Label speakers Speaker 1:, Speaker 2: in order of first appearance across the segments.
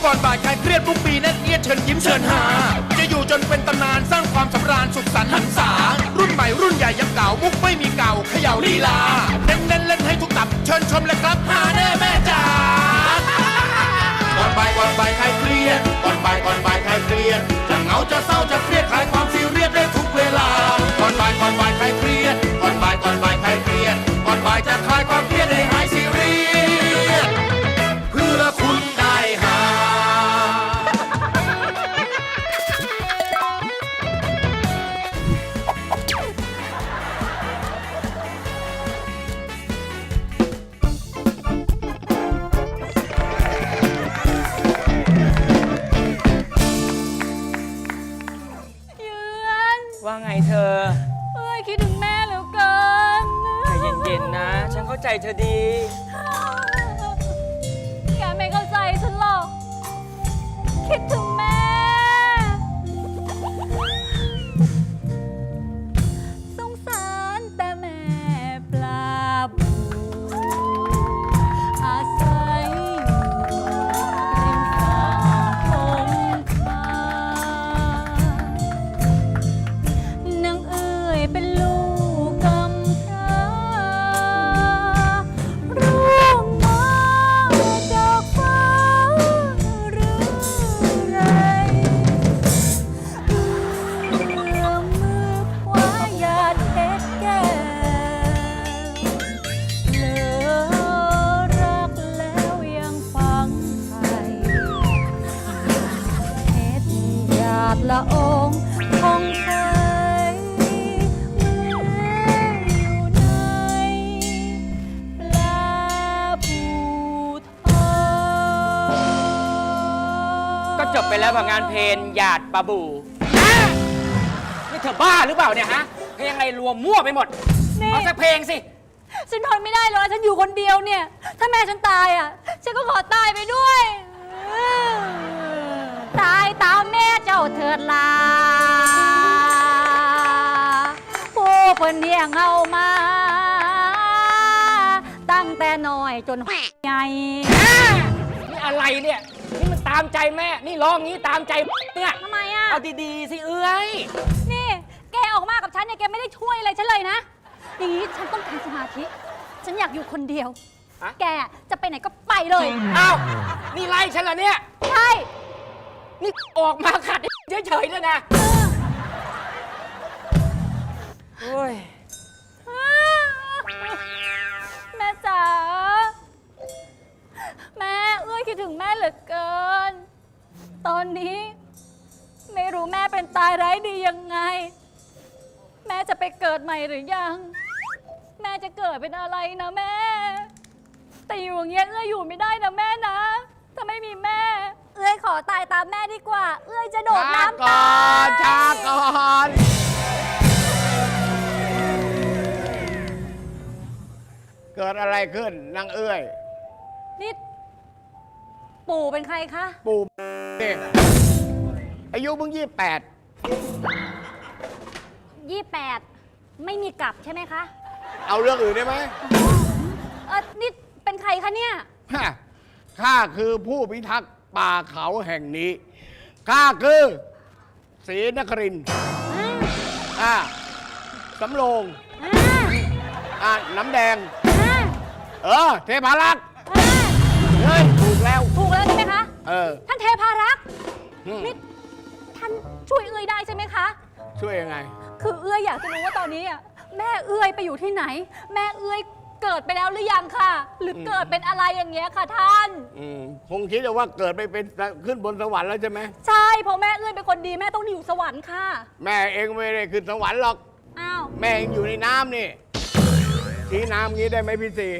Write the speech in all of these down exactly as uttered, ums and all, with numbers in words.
Speaker 1: ก่อนบ่ายคลายเครียดทุกปีแน่นเอียดเชิญยิ้มเชิญหาจะอยู่จนเป็นตำนานสร้างความสำราญสุขสันต์หันษารุ่นใหม่รุ่นใหญ่ยังเก่ามุกไม่มีเก่าเขย่าลีลาเน้นเน้นเล่นให้ทุกตับเชิญชมเลยครับหาแน่แม่จ๋าก่อนบ่ายก่อนบ่ายคลายเครียดก่อนบ่ายก่อนบ่ายคลายเครียดจะเหงาจะเศร้าจะเครียดคลายความซีเรียสได้ทุกเวลาก่อนบ่ายก่อนบ่ายคลายเครียดก่อนบ่ายก่อนบ่ายคลายเครียดก่อนบ่ายจะคลายความเครียดให้หายซีเรียสเพื่อคุณได้หา
Speaker 2: ว่าไงเธอ
Speaker 3: เอ้ยคิดถึงแม่เหลือเกิน
Speaker 2: ใจเย็นๆนะ ฉันเข้าใจเธอดี
Speaker 3: แกไม่เข้าใจฉันหรอก คิดถึงแม่ สงสารแต่แม่ปลาบูอาศัยอยู่ริมฝั่งคงคานางเอ๋ยเป็นลูกกำพร้าร่วงมาจากฟ้าหรือไรเอื้อมมือคว้าหยาดเพชรแก้วเผลอรักแล้วยังฟังไทยเพชรหยาดละอองของไทยเมื่ออยู่ในปลาบูทอง
Speaker 2: ก็จบไปแล้วกับงานเพลงหยาดปลาบูอ่ะนี่เธอบ้าหรือเปล่าเนี่ยฮะ เพลงอะไรรวมมั่วไปหมด
Speaker 3: นี่
Speaker 2: เอาสักเพลงสิ
Speaker 3: ฉันทนไม่ได้เลยฉันอยู่คนเดียวเนี่ย ถ้าแม่ฉันตายอ่ะ ฉันก็ขอตายไปด้วย ตายตามแม่เจ้าเถิดลาผู้เพิ่นเลี้ยงเอามา ตั้งแต่น้อยจนใหญ่
Speaker 2: นี่อะไรเนี่ย นี่มันตามใจแม่ นี่ร้องงี้ตามใจเนี่ย
Speaker 3: ทำไมอ่ะ
Speaker 2: เอาดีๆสิเอ้ย
Speaker 3: นี่แกออกมากับฉันเนี่ยแกไม่ได้ช่วยอะไรฉันเลยนะ อย่างนี้ฉันต้องการสมาธิ ฉันอยากอยู่คนเดียว
Speaker 2: ฮะ
Speaker 3: แกจะไปไหนก็ไปเลย
Speaker 2: อ้าวนี่ไล่ฉันเหรอเนี่ย
Speaker 3: ใช่
Speaker 2: นี่ออกมาขัดเฉยๆเลยนะโอ้ย
Speaker 3: แม่จ๋า แม่เอื้อยคิดถึงแม่เหลือเกิน ตอนนี้ไม่รู้แม่เป็นตายไร้ดียังไง แม่จะไปเกิดใหม่หรือยัง แม่จะเกิดเป็นอะไรนะแม่ แต่อยู่อย่างเงี้ยเอื้อยอยู่ไม่ได้นะแม่นะ ถ้าไม่มีแม่ เอื้อยขอตายตามแม่ดีกว่า เอื้อยจะโดดน้ำตาย
Speaker 4: ช้าก่อนเกิดอะไรขึ้นนางเอ้ย
Speaker 3: นี่ปู่เป็นใครคะ
Speaker 4: ปู่นี่อายุมึงยี่แปด
Speaker 3: ยี่แปดไม่มีกลับใช่ไหมคะ
Speaker 4: เอาเรื่องอื่นได้ไหม
Speaker 3: เออนี่เป็นใครคะเนี่ย
Speaker 4: ฮะข้าคือผู้พิทักษ์ป่าเขาแห่งนี้ ข้าคือศรีนครินทร์อ่าสำโรงอ่าน้ำแดง เออ เทพารักษ์เฮ้ย ถูกแล้ว
Speaker 3: ถูกแล้วใช่ไหมคะ
Speaker 4: เออ
Speaker 3: ท่านเทพารักษ์
Speaker 4: อืม
Speaker 3: นี่ท่านช่วยเอื้อยได้ใช่ไหมคะ
Speaker 4: ช่วยยังไง
Speaker 3: คือเอื้อยอยากจะรู้ว่าตอนนี้อ่ะแม่เอื้อยไปอยู่ที่ไหน แม่เอื้อยเกิดไปแล้วหรือยังค่ะ หรือเกิดเป็นอะไรอย่างเงี้ยค่ะท่าน
Speaker 4: อืมคงคิดว่าเกิดไปเป็นขึ้นบนสวรรค์แล้วใช่ไหม
Speaker 3: ใช่เพราะแม่เอื้อยเป็นคนดีแม่ต้องอยู่สวรรค์ค่ะ
Speaker 4: แม่เองไม่ได้ขึ้นสวรรค์หรอก
Speaker 3: อ้าว
Speaker 4: แม่เองอยู่ในน้ำนี่ชี้น้ำงี้ได้ไหมพี่สี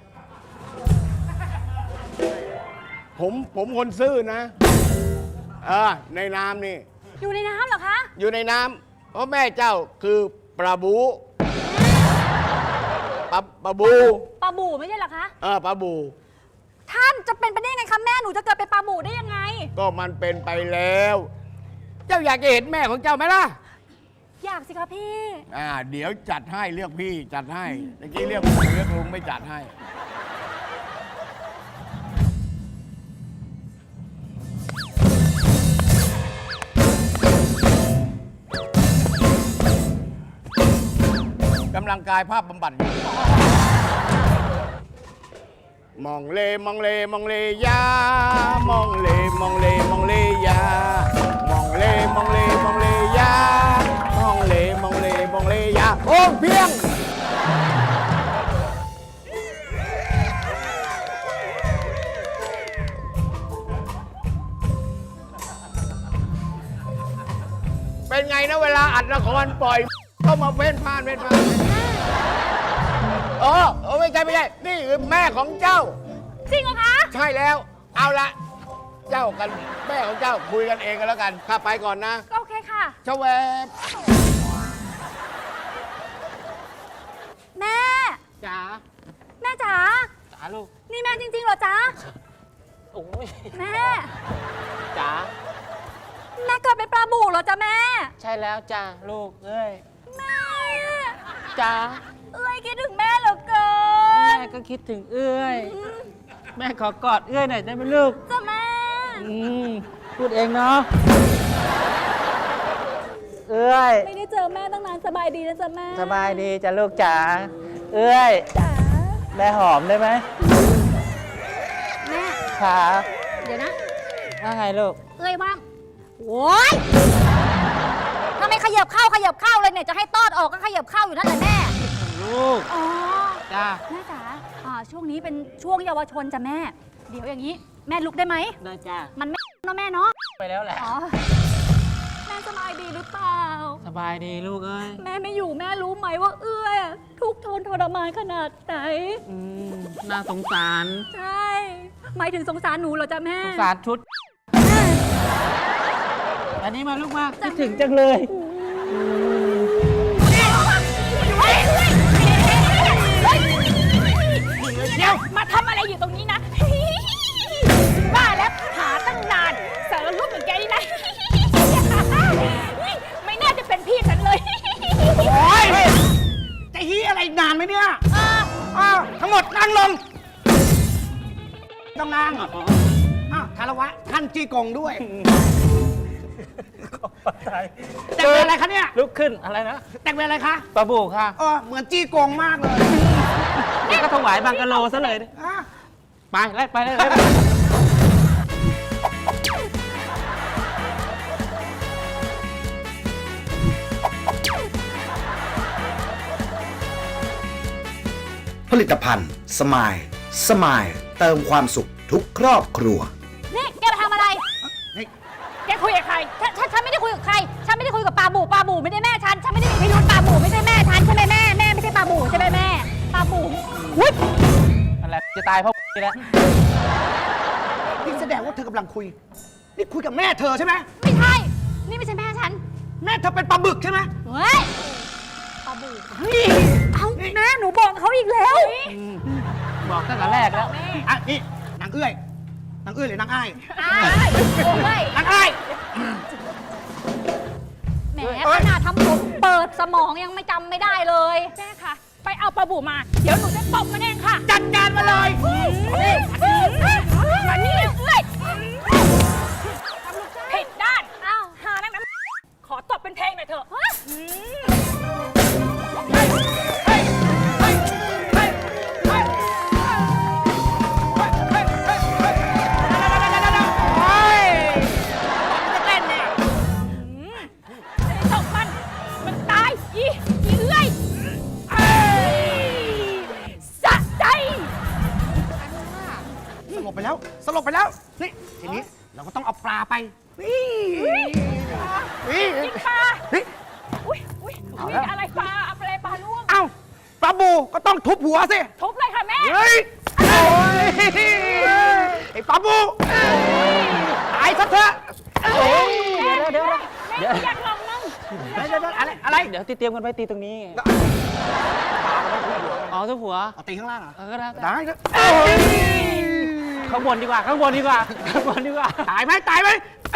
Speaker 4: ผมผมคนซื่อนะเออในน้ำนี่
Speaker 3: อยู่ในน้ำเหรอคะ
Speaker 4: อยู่ในน้ำเพราะแม่เจ้าคือปลาบูปลาปลาบู
Speaker 3: ปลาบู่ไม่ใช่เหรอคะ
Speaker 4: เออปลาบู
Speaker 3: ท่านจะเป็นไปได้ยังไงคะแม่หนูจะเกิดเป็นปลาบู่ได้ยังไง
Speaker 4: ก็มันเป็นไปแล้ว เจ้าอยากจะเห็นแม่ของเจ้าไหมล่ะ
Speaker 3: อยากสิคะพี่
Speaker 4: อ่าเดี๋ยวจัดให้เรียกพี่จัดให้เมื่อกี้เรียกผมเรียกลุงไม่จัดให้ำลังกายภาพบำบัดอยู่มองเลมองเลมองเลยามองเลมองเลมองเลยามองเลมองเลมองเลยามองเลมองเลมองเลยาโอ้เพียงเป็นไงนะเวลาอัดละครปล่อยก็มาเฟ้นพานเฟ้นพานเออเออไม่ใช่ไม่ใช่นี่คือแม่ของเจ้า
Speaker 3: จริงเหรอคะ
Speaker 4: ใช่แล้ว เอาละเจ้ากันแม่ของเจ้าคุยกันเองกันแล้วกันข้าไปก่อนนะ
Speaker 3: โอเคค่ะ
Speaker 4: ชะแวบ
Speaker 3: แม่
Speaker 2: จ๋า
Speaker 3: แม่จ๋า
Speaker 2: จ๋าลูก
Speaker 3: นี่แม่จริงๆเหรอจ๊ะ
Speaker 2: โอ้ย
Speaker 3: แม่
Speaker 2: จ๋า
Speaker 3: แม่เกิดเป็นปลาบู่เหรอจ๊ะแม่
Speaker 2: ใช่แล้วจ้าลูกเอ้ย
Speaker 3: แม่
Speaker 2: จ๋า
Speaker 3: เอ้ยคิดถึงแม่เหลือเกิ
Speaker 2: แม่
Speaker 3: น
Speaker 2: ก็คิดถึงเอ้ย แม่ขอกอดเอ้ยหน่อยได้ไหมลูก
Speaker 3: จ้ะแม่
Speaker 2: อืมพูดเองเนาะเอ้ย
Speaker 3: ไม่ได้เจอแม่ตั้งนานสบายดีนะจ๊ะแม่
Speaker 2: สบายดีจ้ะลูกจ๋าเอ้ย
Speaker 3: จ๋า
Speaker 2: แม่หอมได้ไหม
Speaker 3: แม่
Speaker 2: ขา
Speaker 3: เดี๋ยวนะ
Speaker 2: ว่าไงลูก
Speaker 3: เอ้ยว่างโอ้ยทำไมขยับเข้าขยับเข้าเลยเนี่ย จะให้ตอดออกก็ขยับเข้าอยู่นั่นแหละแม่
Speaker 2: ลูก
Speaker 3: อ๋อ
Speaker 2: จ้า
Speaker 3: แม่จ๋าอ่าช่วงนี้เป็นช่วงเยาวชนจ้ะแม่ เดี๋ยวอย่างนี้ แม่ลุกได้ไหม
Speaker 2: ได้จ้า
Speaker 3: มันไม่เนาะแม่เนาะ
Speaker 2: ไปแล้วแหละ
Speaker 3: อ๋อ แม่สบายดีหรือเปล่า
Speaker 2: สบายดีลูกเอ้ย
Speaker 3: แม่ไม่อยู่แม่รู้ไหมว่าเอื้อยอะทุกข์ทนทรมานขนาดไหน
Speaker 2: อืมน่าสงสาร
Speaker 3: ใช่ หมายถึงสงสารหนูเหรอจ๊ะแม่
Speaker 2: สงสารชุด อันนี้มาลูกมาคิดถึงจังเลย
Speaker 3: เดี๋ยวมาทำอะไรอยู่ตรงนี้นะ บ้าแล้วหาตั้งนานสารรูปเหมือนแกนี่นะ ไม่น่าจะเป็นพี่ฉันเลย
Speaker 4: โอ้ยจะฮีอะไรนานไหมเนี่ยอ้าวทั้งหมดนั่งลงต้องนั่งอ้าวคารวะท่านจีกงด้วยแต่งเป็นอะไรคะเนี่ย
Speaker 2: ลุกขึ้นอะไรนะ
Speaker 4: แต่งเป็นอะไรคะ
Speaker 2: ปลาบูค่ะ
Speaker 4: เออเหมือนจี้กงมากเลย
Speaker 2: นี่ก็ถวายบังกะโลซะเลย
Speaker 4: อ่ะ
Speaker 2: ไปไล่ไปไล่ไป
Speaker 5: ผลิตภัณฑ์สมายสมายเติมความสุขทุกครอบครัว
Speaker 3: นี่แกมาทำอะไร
Speaker 4: นี่
Speaker 3: แกคุยกับใครฉันฉันฉันไม่ได้คุยกับใคร ฉันไม่ได้คุยกับปลาบู่ปลาบู่ไม่ได้แม่ฉัน ฉันไม่ได้มีพิรุธปลาบู่ไม่ใช่แม่ฉันใช่ไหมแม่ แม่ไม่ใช่ปลาบู่ใช่ไหมแม่ ปลาบู่อุ๊ย
Speaker 2: อะไรจะตายเพราะนี่แหละ
Speaker 4: นี่แสดงว่าเธอกำลังคุย นี่คุยกับแม่เธอใช่ไหม
Speaker 3: ไม่ใช่ นี่ไม่ใช่แม่ฉัน
Speaker 4: แม่เธอเป็นปลาบึกใช่ไหม
Speaker 3: เฮ้ย ปลาบู่เอ้าแม่หนูบอกเขาอีกแล้ว
Speaker 2: บอกตั้งแต่แรกแล้ว
Speaker 4: อ่ะนี่นางเอื้อยนางเอื้อยหรือนางอ้าย
Speaker 3: อ้ายเฮ้ย
Speaker 4: นางอ้าย
Speaker 3: แหมขนาดทำผมเปิดสมองยังไม่จำไม่ได้เลยแม่ค่ะ ไปเอาปลาบู่มา เดี๋ยวหนูจะตบมันเองค่ะ
Speaker 4: จัดการมาเลย
Speaker 3: มานี่เลยผิดด้านอ้าวหานักน้ำขอตบเป็นเพลงหน่อยเถอะตบมัน มันตาย อีอีเลื่อยสะใจ
Speaker 4: สลบไปแล้ว สลบไปแล้ว นี่ ทีนี้เราก็ต้องเอาปลาไป นี่นี่
Speaker 3: กินปลา
Speaker 4: นี่
Speaker 3: อุ้ยอุ้ยอุ้ยอะไรปลาอะไรปลาล่วง
Speaker 4: เอ้าปลาบูก็ต้องทุบหัวสิ
Speaker 3: ทุบเลยค่ะแม่
Speaker 4: เฮ้ย โอ้ย ไอ้ปลาบูตายซะเถอะ
Speaker 2: เดี๋ยวเดี๋ยว
Speaker 3: แม่อยากลองมั่ง
Speaker 4: เดี๋ยวเดี๋ยวอะไร อะไร
Speaker 2: เดี๋ยวตีเตรียมกันไปตีตรงนี้ไงอ๋อทุกหัว
Speaker 4: เอาตีข้างล่างเหรอ
Speaker 2: เออก็ได้
Speaker 4: ได้ก็
Speaker 2: ข้างบนดีกว่า ข้างบนดีกว่า ข้างบนดีกว่า
Speaker 4: ตายไหมตายไหม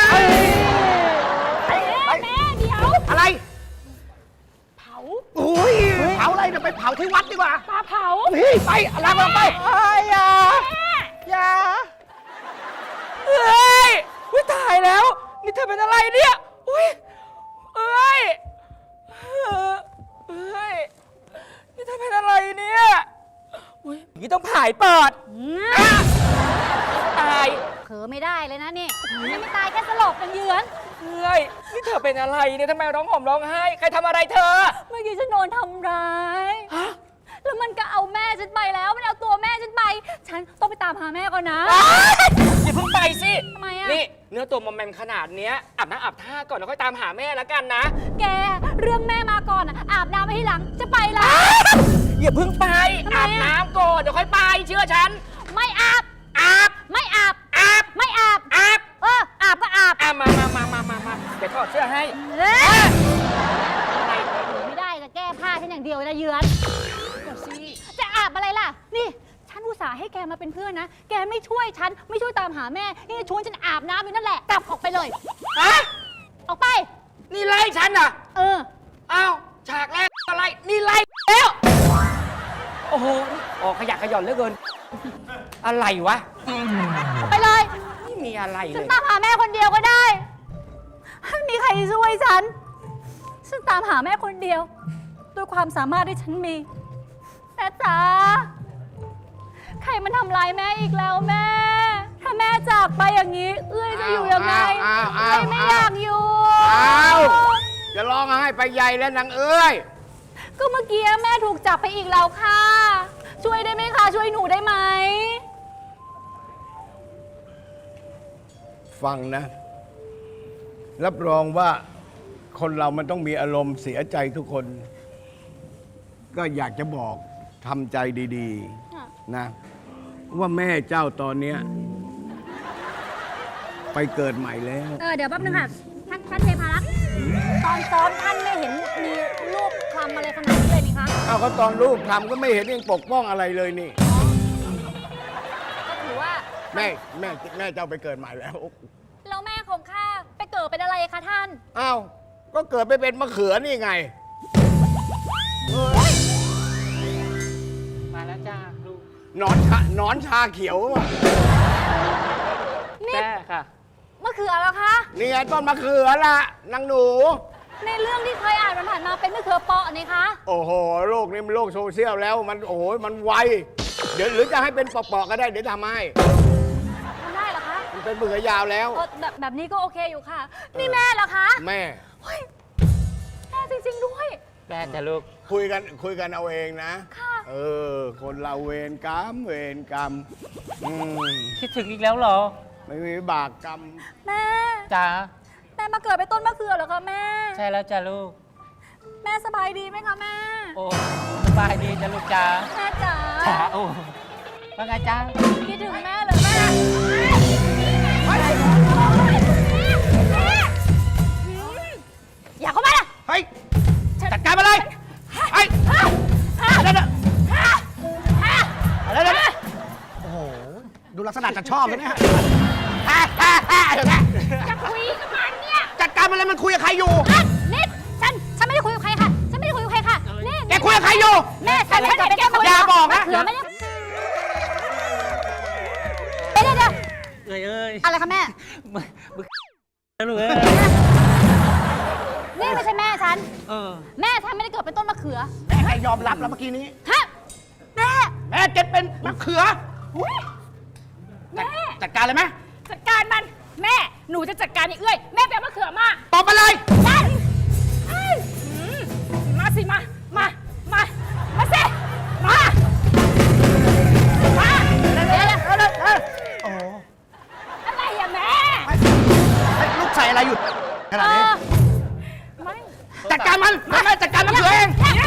Speaker 3: แม่แม่เดี๋ยว
Speaker 4: อะไร
Speaker 3: เผา
Speaker 4: โอ้ยเผาอะไรเดี๋ยวไปเผาที่วัดดีกว่า
Speaker 3: ปลาเผา
Speaker 4: เฮ้ยไปลากเราไป
Speaker 2: อย่า
Speaker 3: แม่
Speaker 2: อย่าเอ้ยอุ้ยตายแล้ว นี่เธอเป็นอะไรเนี่ย อุ้ยเอ้ยเอ้ยนี่เธอเป็นอะไรเนี่ยอุ๊ยอย่างนี้ต้องผ่ายปอดอ่ะตาย
Speaker 3: เผลอไม่ได้เลยนะนี่ยังไม่ตายแค่สลบกันเยือน
Speaker 2: เฮ้ยนี่เธอเป็นอะไรเนี่ยทำไมร้องห่มร้องไห้ใครทำอะไรเธอ
Speaker 3: เมื่อกี้ฉันโดนทำร้าย แล้วมันก็เอาแม่ฉันไปแล้ว มันเอาตัวแม่ฉันไป ฉันต้องไปตามหาแม่ก่อนนะ
Speaker 2: อย่าเพิ่งไปสิ
Speaker 3: ทำไมอะ
Speaker 2: นี่เนื้อตัวมอมแมมขนาดเนี้ยอาบน้ำอาบท่าก่อนแล้วค่อยตามหาแม่แล้วกันนะ
Speaker 3: แกเรื่องแม่มาก่อนอะอาบน้ำไปที่หลังจะไปแล้ว
Speaker 2: อย่าเพิ่งไป
Speaker 3: ทำไมอะ
Speaker 2: อาบน้ำก่อนเดี๋ยวค่อยไปเชื่อฉัน
Speaker 3: ไม่อาบ
Speaker 2: อาบ
Speaker 3: ไม่อาบ
Speaker 2: อาบ
Speaker 3: ไม่อาบ
Speaker 2: อาบ
Speaker 3: เอออาบก็อาบ
Speaker 2: อามามามามามามาเดี๋ยวถอดเสื้อให้
Speaker 3: เอ้ย
Speaker 2: อะไร
Speaker 3: ไม่ได้จะแก้ผ้าฉันอย่างเดียวเลยนะเยือนจะอาบอะไรล่ะ นี่ฉันอุตส่าห์ให้แกมาเป็นเพื่อนนะ แกไม่ช่วยฉันไม่ช่วยตามหาแม่นี่ชวนฉันอาบน้ำอยู่นั่นแหละกลับออกไปเลย
Speaker 2: ฮะ
Speaker 3: ออกไป
Speaker 2: นี่ไล่ฉันเหรอ่ะ
Speaker 3: เออ
Speaker 2: อ้าวฉากแรกอะไรนี่ไล่แล้วโอ้โหออกขยะขย่อนเหลือเกิน อะไรวะ
Speaker 3: ออกไปเลย
Speaker 2: ไม่มีอะไรเล
Speaker 3: ฉัน
Speaker 2: ย
Speaker 3: ตามหาแม่คนเดียวก็ได้ไม่มีใครช่วยฉัน ฉันตามหาแม่คนเดียว ด้วยความสามารถที่ฉันมี แม่จ๋า ใครมันทำร้ายแม่อีกแล้วแม่ ถ้าแม่จากไปอย่างนี้ เอื้อยจะอยู่ยังไง
Speaker 4: อ้าวอ้าว
Speaker 3: เอ้ยไม่อยากอยู่
Speaker 4: อ้าว จะร้องไห้ไปใหญ่แล้วนางเอ้ย
Speaker 3: ก็เมื่อกี้แม่ถูกจับไปอีกแล้วค่ะ ช่วยได้ไหมคะ ช่วยหนูได้ไหม
Speaker 4: ฟังนะ รับรองว่าคนเรามันต้องมีอารมณ์เสียใจทุกคน ก็อยากจะบอกทำใจดี
Speaker 3: ค่ะ
Speaker 4: ๆ นะ ว่าแม่เจ้าตอนเนี้ยไปเกิดใหม่แล้ว
Speaker 3: เออเดี๋ยวแป๊บนึงค่ะท่านท่านเทพารักษ์ตอนซ้อมท่านไม่เห็นมีรูปคลำอะไรขนาดนี้เลยนี่คะ
Speaker 4: เอาก็ตอนลูกทำก็ไม่เห็นยังปกป้องอะไรเลยนี่
Speaker 3: ก็ถือว่า
Speaker 4: แม่แม่แม่เจ้าไปเกิดใหม่แล้ว
Speaker 3: แล้วแม่ของข้าไปเกิดเป็นอะไรคะท่าน
Speaker 4: อ้าวก็เกิดไปเป็นมะเขือนี่ไง
Speaker 2: มาแล้วจ้าลูก
Speaker 4: หนอนชาหนอนชาเขียวอะ
Speaker 3: นี่
Speaker 2: แม่ค่ะ
Speaker 3: มะเขือแล้วคะ
Speaker 4: นี่ไงต้นมะเขือละนางหนู
Speaker 3: ในเรื่องที่เคยอ่านมันผ่านมาเป็นมะเขือเปาะนี่คะ
Speaker 4: โอ้โห โลกนี้มันโลกโซเชียลแล้ว มันโอ้โห มันไว เดี๋ยวหรือจะให้เป็นปอกๆก็ได้ เดี๋ยวทำให้
Speaker 3: ทำได้เหรอคะ
Speaker 4: มันเป็นมะเขือยาวแล้ว
Speaker 3: เออแบบแบบนี้ก็โอเคอยู่ค่ะ นี่แม่เหรอคะ
Speaker 4: แม่
Speaker 3: เฮ้ยแม่จริงๆด้วย
Speaker 2: แม่จะลูก
Speaker 4: คุยกันคุยกันเอาเองนะ
Speaker 3: ค่ะ
Speaker 4: เออ คนเราเวรกรรม เวรกรรม อืม
Speaker 2: คิดถึงอีกแล้วเหรอ
Speaker 4: ไม่มีบากกรรม
Speaker 3: แม่
Speaker 2: จ้า
Speaker 3: แม่มาเกิดเป็นต้นมะเขือเหรอคะแม่
Speaker 2: ใช่แล้วจ้าลูก
Speaker 3: แม่สบายดีไหมคะแม่
Speaker 2: โอ้สบายดีจ้าลูกจ้า
Speaker 3: แม่จ๋า
Speaker 2: จ้าโอ้ว่าไงจ้า
Speaker 3: คิดถึงแม่เหรอแม่ อย่าเข้ามานะ
Speaker 4: เฮ้ย จัดการมาเลยเฮ้ยอะไรนะอะไรนะโอ้โห ดูลักษณะจะชอบเลยเนี่ยเดี๋ยวนะ
Speaker 3: จะคุยกับมันเนี่ย
Speaker 4: จัดการมันเลยมันคุยกับใครอยู่
Speaker 3: อ่ะนิดฉัน ฉันไม่ได้คุยกับใครค่ะ ฉันไม่ได้คุยกับใครค่ะนี่
Speaker 4: แกคุยกับใครอยู่
Speaker 3: แม่ฉันไม่ได้เป็นแกคุย
Speaker 4: อย่าบอกนะ
Speaker 3: เขือไม่ได้เดี๋ยวเดี๋ยว
Speaker 2: เอ้ยเอ้ย
Speaker 3: อะไรคะแม่
Speaker 2: มึงมึงลูกเอ้ย
Speaker 3: นี่ไม่ใช่แม่ฉัน
Speaker 2: เออ
Speaker 3: แม่ฉันไม่ได้เกิดเป็นต้นมะเขือ
Speaker 4: แม่ใครยอมรับแล้วเมื่อกี้นี้
Speaker 3: ฮะ แม่
Speaker 4: แม่เก็ตเป็นมะเขือ
Speaker 3: แม่
Speaker 4: จัดการเลยไหม
Speaker 3: จัดการมัน แม่ หนูจะจัดการไอ้เอื้อย แม่ไปเอามะเขือมา
Speaker 4: ตอบมาเลย
Speaker 3: ได้อืมมาสิ มา มา มา มาสิ มา มาเดี๋ยวเดี๋ยวเดี๋ยวเดี๋ยว
Speaker 4: โอ้
Speaker 3: อะไรอะแม่
Speaker 4: ลูกใส่อะไรอยู่ขนาดนี้
Speaker 3: เออไม่
Speaker 4: จัดการมันแม่จัดการมะเขือเอง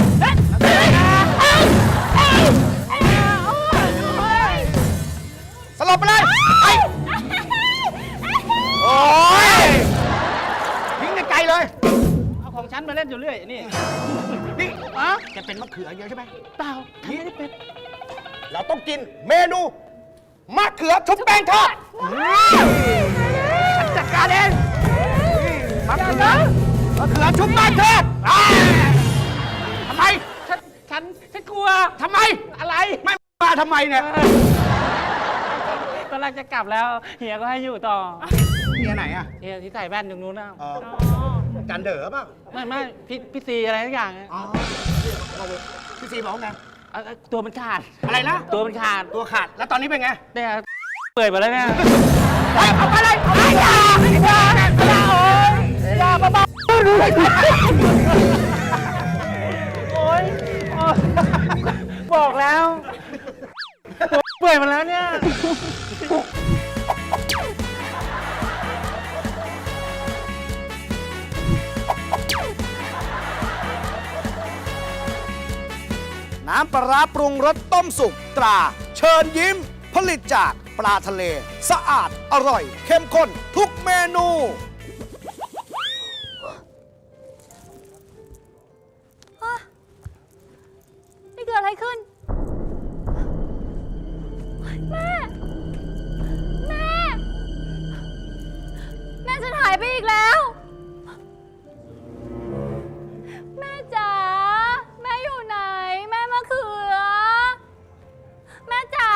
Speaker 4: สลบไปเลยไอ้โอ้ยทิ้งไกลๆเลย
Speaker 2: เอาของฉันมาเล่นอยู่เรื่อยนี่
Speaker 4: นี่อะแกเป็นมะเขือเยอะใช่ไหมเปล่าไม่ได้เป็น เราต้องกินเมนูมะเขือชุบแป้งทอดฉันจัดการเองมะเขือมะเขือชุบแป้งทอดอ่าทำไม
Speaker 2: ฉัน ฉัน ฉันกลัว
Speaker 4: ทำไม อะไร ไม่มาทำไมเนี่ย
Speaker 2: ตอนแรกจะกลับแล้ว เฮียก็ให้อยู่ต่อ
Speaker 4: เมียไหนอ่ะ
Speaker 2: เฮียที่ใส่แว่นตรงนู้นนะ
Speaker 4: จันเด๋อเปล่า
Speaker 2: ไม่ไม่พี่พี่ซีอะไรทุกอย่างอะ
Speaker 4: อ๋อพี่ซีบอกว่าไง
Speaker 2: เอ่อตัวมันขาด
Speaker 4: อะไรนะ
Speaker 2: ตัวมันขาด
Speaker 4: ตัวขาด แล้วตอนนี้เป็นไง
Speaker 2: เนี่ยเปื่อยหมดแล้วเนี่ย
Speaker 4: เอาไปเลยเอาไปอย่าอย่าอย่าโอ้ยอย่าบ้าๆโอ้ย
Speaker 2: บอกแล้วเปื่อยหมดแล้วเนี่ย
Speaker 5: น้ำปลาร้าปรุงรสต้มสุกตรา เชิญยิ้ม ผลิตจากปลาทะเล สะอาดอร่อย เข้มข้นทุกเมนู
Speaker 3: นี่เกิดอะไรขึ้น แม่ แม่ แม่ฉันหายไปอีกแล้ว แม่จ๋า แม่อยู่ไหน แม่มะเขือ แม่จ๋า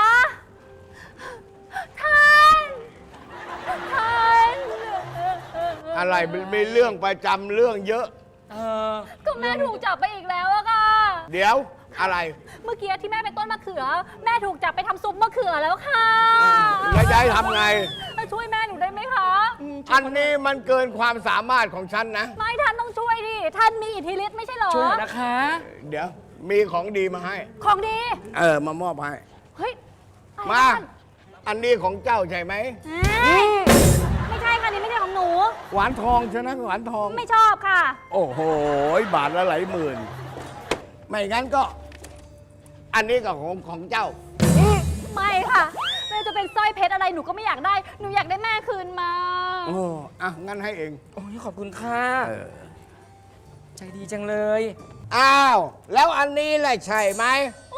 Speaker 3: ท่าน ท่าน
Speaker 4: อะไรมันมีเรื่องประจำเรื่องเยอะ
Speaker 2: เออ
Speaker 3: ก็แม่ถูกจับไปอีกแล้วอะค่ะ
Speaker 4: เดี๋ยวอะไร
Speaker 3: เมื่อกี้ที่แม่เป็นต้นมะเขือ แม่ถูกจับไปทำซุปมะเขือแล้วค่ะ
Speaker 4: แล้วยายทำไง
Speaker 3: ช่วยแม่หนูได้ไหมคะ
Speaker 4: อันนี้มันเกินความสามารถของฉันนะ
Speaker 3: ไม่ท่านต้องช่วยดิ ท่านมีอิทธิฤทธิ์ไม่ใช่เหรอ
Speaker 2: ช่วยหน่อยนะคะ
Speaker 4: เดี๋ยวมีของดีมาให้
Speaker 3: ของดี
Speaker 4: เออ มามอบให้
Speaker 3: เฮ้ยอะไร
Speaker 4: มา
Speaker 3: ท่าน
Speaker 4: อันนี้ของเจ้าใช่ไหม
Speaker 3: เอ้ยไม่ใช่ค่ะนี่ไม่ใช่ของหนู
Speaker 4: หวานทองใช่ไหมหวานทอง
Speaker 3: ไม่ชอบค่ะ
Speaker 4: โอ้โห บาทละหลายหมื่น ไม่งั้นก็ อันนี้ก็ของของเจ้า
Speaker 3: ไม่ค่ะแม่จะเป็นสร้อยเพชรอะไรหนูก็ไม่อยากได้ หนูอยากได้แม่คืนมา
Speaker 4: โอ้อ่ะ งั้นให้เอง
Speaker 2: โอ้ยขอบคุณค่ะ
Speaker 4: เออ
Speaker 2: ใจดีจังเลย
Speaker 4: อ้าว แล้วอันนี้แหละใช่ไหม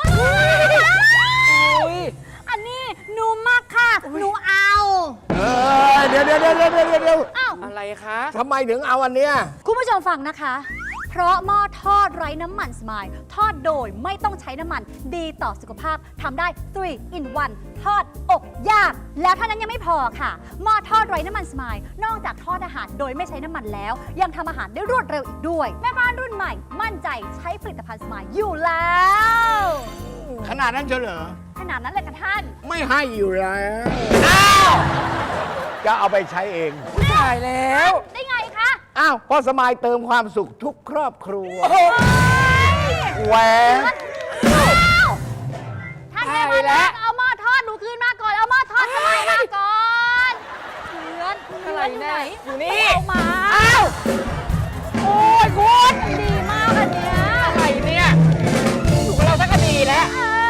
Speaker 2: อุ้ย
Speaker 3: อันนี้หนูมากค่ะ หนูเอา
Speaker 4: เออเดี๋ยวเดี๋ยวเดี๋ยวเดี๋ยวเดี๋ยวเดี๋ยว
Speaker 3: อ้าว
Speaker 2: อะไรคะ
Speaker 4: ทำไมถึงเอาอันเนี้ย
Speaker 3: คุณผู้ชมฟังนะคะ เพราะหม้อทอดไร้น้ำมันสมายทอดโดยไม่ต้องใช้น้ำมันดีต่อสุขภาพทำได้ ทรี in วัน ทอดอบย่างแล้วเท่านั้นยังไม่พอค่ะหม้อทอดไร้น้ำมันสมายนอกจากทอดอาหารโดยไม่ใช้น้ำมันแล้ว ยังทำอาหารได้รวดเร็วอีกด้วย แม่บ้านรุ่นใหม่ มั่นใจใช้ผลิตภัณฑ์สมายอยู่แล้ว
Speaker 4: ขนาดนั้นเฉลอ
Speaker 3: ขนาดนั้นเลยค่ะท่าน
Speaker 4: ไม่ให้อยู่แล้วอ้าว จะเอาไปใช้เอง
Speaker 2: ตายแล้ว
Speaker 3: ได้ไงคะ
Speaker 4: อ้าวเพ่อสมายเติมความสุขทุกครอบครัว แหวน
Speaker 3: ท่านแม่มาแล้วเอาหม้อทอดหนูคืนมาก่อน เอาหม้อทอดสมายมาก่อนเพื่อนเพื่อนอยู่ไหน
Speaker 2: อยู่นี่
Speaker 3: เอามา
Speaker 2: อ้าว
Speaker 3: โอ้ยคุณดีมากอันเนี้ย
Speaker 2: อะไรเนี่ย อยู่กับเราสักคดีแล้ว
Speaker 3: เออ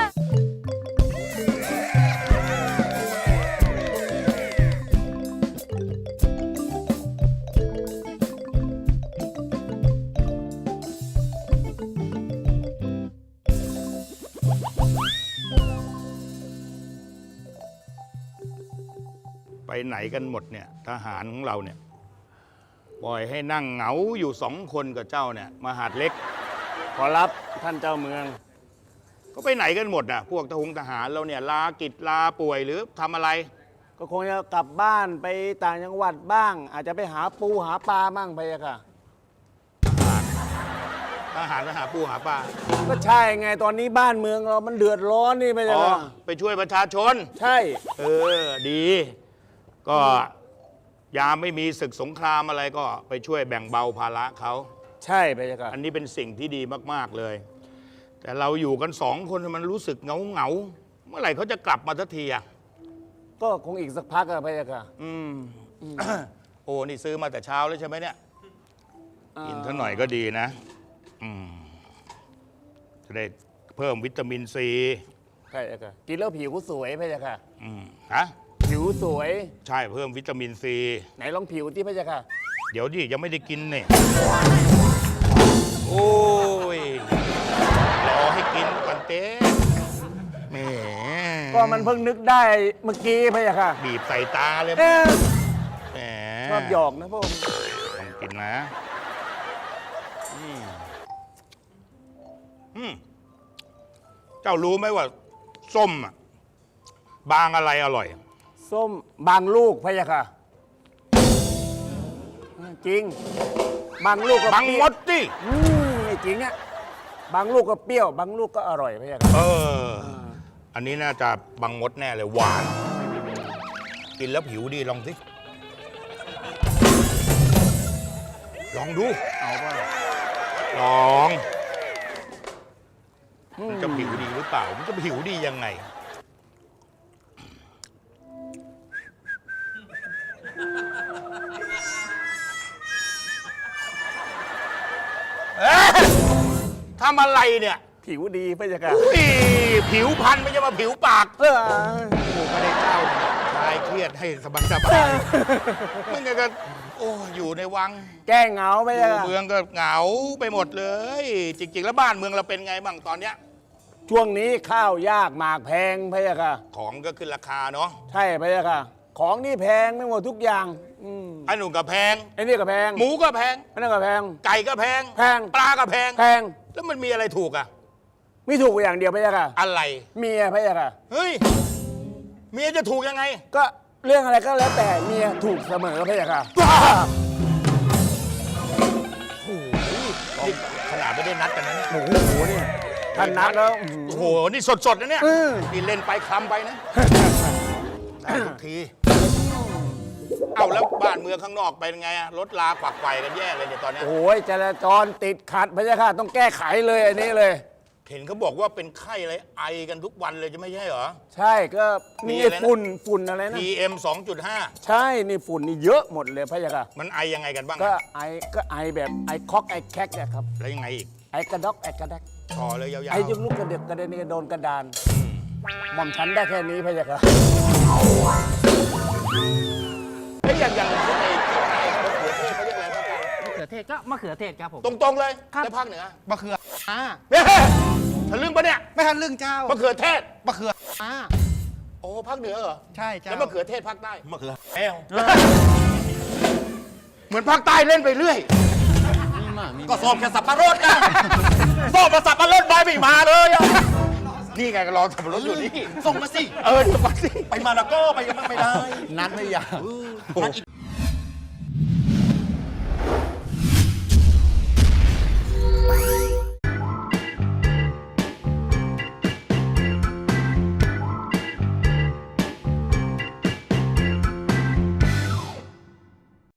Speaker 6: ไปไหนกันหมดเนี่ยทหารของเราเนี่ยปล่อยให้นั่งเหงาอยู่สองคนกับเจ้าเนี่ยมหาดเล็ก
Speaker 7: ขอรับท่านเจ้าเมือง
Speaker 6: ก็ไปไหนกันหมดน่ะพวกทหงทหารเราเนี่ยลากิจลาป่วยหรือทำอะไร
Speaker 7: ก็คงจะกลับบ้านไปต่างจังหวัดบ้าง อาจจะไปหาปูหาปลามั่งไปอะค่ะ
Speaker 6: ทหารไปหาปูหาปลา
Speaker 7: ก็ใช่ไงตอนนี้บ้านเมืองเรามันเดือดร้อนนี่ไป
Speaker 6: อ๋
Speaker 7: อะ
Speaker 6: อ
Speaker 7: ค่ะ
Speaker 6: ไปช่วยประชาชน
Speaker 7: ใช่
Speaker 6: เออดี ก็ยามไม่มีศึกสงครามอะไรก็ไปช่วยแบ่งเบาภาระเขา
Speaker 7: ใช่ไปอะค่ะ
Speaker 6: อันนี้เป็นสิ่งที่ดีมากๆเลย แต่เราอยู่กันสองคนมันรู้สึกเหงาเหงาๆเมื่อไหร่เขาจะกลับมาสักทีอ่ะ
Speaker 7: ก็คงอีกสักพักอะไปอะค่ะ
Speaker 6: อืม โอ้ นี่ซื้อมาแต่เช้าแล้วใช่ไหมเนี่ย กินเท่าหน่อยก็ดีนะ อืม จะได้เพิ่มวิตามินซี
Speaker 7: ใช่อะค่ะกินแล้วผิวสวยไปอะค่ะ
Speaker 6: อืมฮะ
Speaker 7: ผิวสวย
Speaker 6: ใช่เพิ่มวิตามินซี
Speaker 7: ไหนลองผิวที่ไปอะค่ะ
Speaker 6: เดี๋ยวดิยังไม่ได้กินเนี่ย โอ้ย รอให้กินก่อนเต้แหม
Speaker 7: ก็มันเพิ่งนึกได้เมื่อกี้ไปอะค่ะ
Speaker 6: บีบใส่ตาเลย
Speaker 7: เอ๊ะ
Speaker 6: แหม
Speaker 7: ชอบหยอกนะพวก
Speaker 6: ต้องกินนะ อืมอืมเจ้ารู้ไหมว่า ส้มอะบางอะไรอร่อย
Speaker 7: ส้มบางลูกไปอะค่ะ จริง บางลูกก็
Speaker 6: บางมดดิ
Speaker 7: อืมไม่จริงอะบางลูกก็เปรี้ยว บางลูกก็อร่อยพะยะค่ะ
Speaker 6: เออ อันนี้น่าจะบางมดแน่เลยหวาน กินแล้วผิวดีลองสิ ลองดู
Speaker 7: เอาป่ะ
Speaker 6: ลองมันจะผิวดีหรือเปล่า มันจะผิวดียังไง เอ๊ะทำอะไรเนี่ย
Speaker 7: ผิวดีพะยะค่ะ
Speaker 6: อุ้ยผิวพันไม่ใช่มาผิวปาก
Speaker 7: เออ
Speaker 6: กูก็ได้เจ้าคลายเครียดให้สบายสบายมึงก็โอ้อยู่ในวัง
Speaker 7: แก้เหงาพะ
Speaker 6: อย
Speaker 7: ะ
Speaker 6: ยู่
Speaker 7: ค่ะ
Speaker 6: เมืองก็เหงาไปหมดเลย จริง ๆ แล้วบ้านเมืองเราเป็นไงบ้างตอนเนี้ย
Speaker 7: ช่วงนี้ข้าวยากหมากแพงพะยะค่ะ
Speaker 6: ของก็ขึ้นราคาเนาะ
Speaker 7: ใช่พะยะค่ะ ของนี่แพงไม่หมดทุกอย่าง อืม
Speaker 6: ไอ้หนุ่มก็แพง
Speaker 7: ไอ้นี่ก็แพง
Speaker 6: หมูก็แพง
Speaker 7: ไอ้นั่นก็แพง
Speaker 6: ไก่ก็แพง
Speaker 7: แพง
Speaker 6: ปลาก็แพง
Speaker 7: แพง
Speaker 6: แล้วมันมีอะไรถูกอะ
Speaker 7: ไม่ถูกกว่าอย่างเดียวพะยะค่ะ
Speaker 6: อะไร
Speaker 7: เมียพะยะค่ะ
Speaker 6: เฮ้ยเมียจะถูกยังไง
Speaker 7: ก็เรื่องอะไรก็แล้วแต่เมียถูกเสมอพะยะค่ะ
Speaker 6: นี่ขนาดไม่ได้นัดกันนะเนี่ย
Speaker 7: โอ้โหเนี่ยท่านนัดแล้วอื้อ
Speaker 6: โอ้
Speaker 7: หื
Speaker 6: โห
Speaker 7: อ
Speaker 6: นี่สดๆนะเนี่ย
Speaker 7: เออ
Speaker 6: นี่เล่นไปคลำไปนะได้ทุกที เอาแล้วบ้านเมืองข้างนอกเป็นไงอะรถลาขวักไขว่กันแย่เลยเนี่ยตอนเนี้ย
Speaker 7: โอ้ยจราจรติดขัดพะยะค่ะต้องแก้ไขเลยอันนี้เลย
Speaker 6: เห็นเขาบอกว่าเป็นไข้อะไรไอกันทุกวันเลยจะไม่ใช่เหรอ
Speaker 7: ใช่ก็
Speaker 6: มี
Speaker 7: นี่
Speaker 6: อะไรนะ
Speaker 7: ฝุ่นฝุ่นอะไรนะ
Speaker 6: พี เอ็ม สองจุดห้า
Speaker 7: ใช่นี่ฝุ่นนี่เยอะหมดเลยพะยะค่ะ
Speaker 6: มันไอยังไงกันบ้าง
Speaker 7: ก็
Speaker 6: อะ
Speaker 7: ไอก็ไอแบบไอคอกไอแคกเนี่ยครับ
Speaker 6: แล้วยังไงอีก
Speaker 7: ไอกระดอกไอกระแดก
Speaker 6: ต่อเลยยาวๆ
Speaker 7: ไอยุกลุกกระเด็กกระเด็นกระโดนกระดานหม่อมฉันได้แค่นี้พะยะค่ะ
Speaker 6: เฮ้ยอย่างอย่างไอ้ไอ้มะเขือเทศเขาเรียกอะไรภาคกลาง
Speaker 2: มะเขือเทศก็มะเขือเทศครับผม
Speaker 6: ตรงๆเลยแล้วภาคเหนือ
Speaker 8: มะเขืออ่า
Speaker 6: เฮ้ยทะลึ่งปะเนี่ย
Speaker 8: ไม่ทันเรื่องเจ้าม
Speaker 6: ะเขือเทศ
Speaker 8: มะเขืออ่า
Speaker 6: โอ้ภาคเหนือเหรอ
Speaker 8: ใช่เจ้า
Speaker 6: แล้วมะเขือเทศภาคใต้มะเขือแอวเหมือนภาคใต้เล่นไปเรื่อย ก็สอบแค่สับปะรดนะสอบมาสับปะรดใบไม่มาเลยอะนี่ไงก็รอสับปะรดอยู่นี่
Speaker 8: ส่งมาสิ
Speaker 6: เออเดี๋ยวก่อนสิ
Speaker 8: ไปมาแล้วก็ไปยังไม่ได้ นัดไม่ยาวนัดอีก